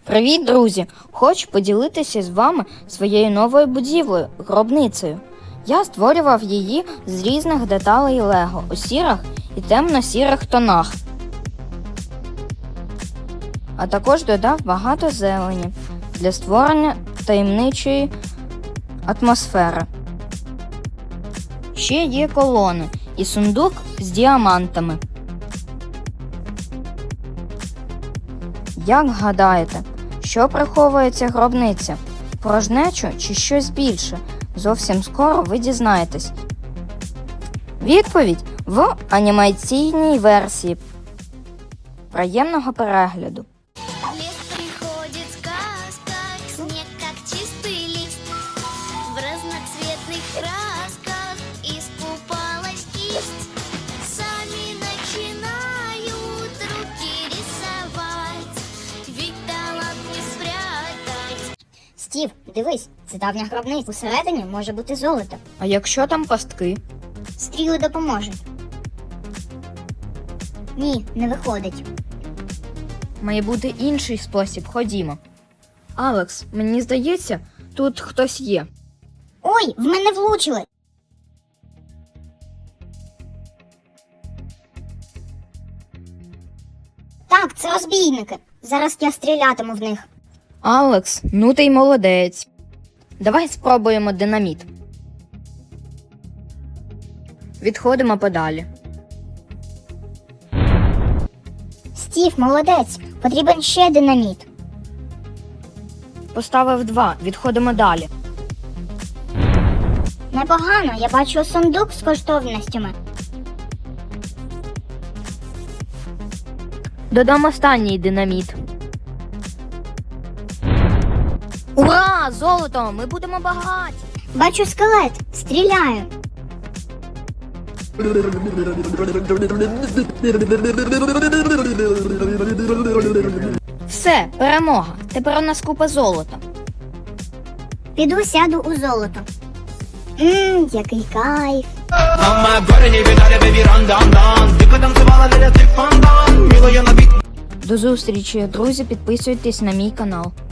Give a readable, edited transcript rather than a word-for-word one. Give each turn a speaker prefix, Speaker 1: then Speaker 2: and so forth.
Speaker 1: Привіт, друзі! Хочу поділитися з вами своєю новою будівлею – гробницею. Я створював її з різних деталей Лего у сірих і темно-сірих тонах. А також додав багато зелені для створення таємничої атмосфери. Ще є колони і сундук з діамантами. Як гадаєте, що приховує ця гробниця? Порожнечу чи щось більше? Зовсім скоро ви дізнаєтесь. Відповідь в анімаційній версії. Приємного перегляду!
Speaker 2: Лес приходит сказка, снег как чистый лист. В разноцветных красках искупалась кисть. Сами начинают руки рисовать, ведь талант не спрятать.
Speaker 3: Стів, дивись, це давня гробниця. Усередині може бути золото.
Speaker 1: А якщо там пастки?
Speaker 3: Стріли допоможуть. Ні, не виходить.
Speaker 1: Має бути інший спосіб, ходімо. Алекс, мені здається, тут хтось є.
Speaker 3: Ой, в мене влучили. Так, це розбійники. Зараз я стрілятиму в них.
Speaker 1: Алекс, ну ти й молодець. Давай спробуємо динаміт. Відходимо подалі.
Speaker 3: Стів, молодець. Потрібен ще динаміт.
Speaker 1: Поставив 2, відходимо далі.
Speaker 3: Непогано, я бачу сундук з коштовностями.
Speaker 1: Додам останній динаміт. Ура! Золото! Ми будемо багаті!
Speaker 3: Бачу скелет. Стріляю.
Speaker 1: Все, перемога! Тепер у нас купа золота.
Speaker 3: Піду сяду у золото. Який кайф.
Speaker 4: Мама, горе не видали, baby, run, down, down. Ти потанцювала, не ти фонтан. Мило, я на бік.
Speaker 1: До зустрічі, друзі, підписуйтесь на мій канал.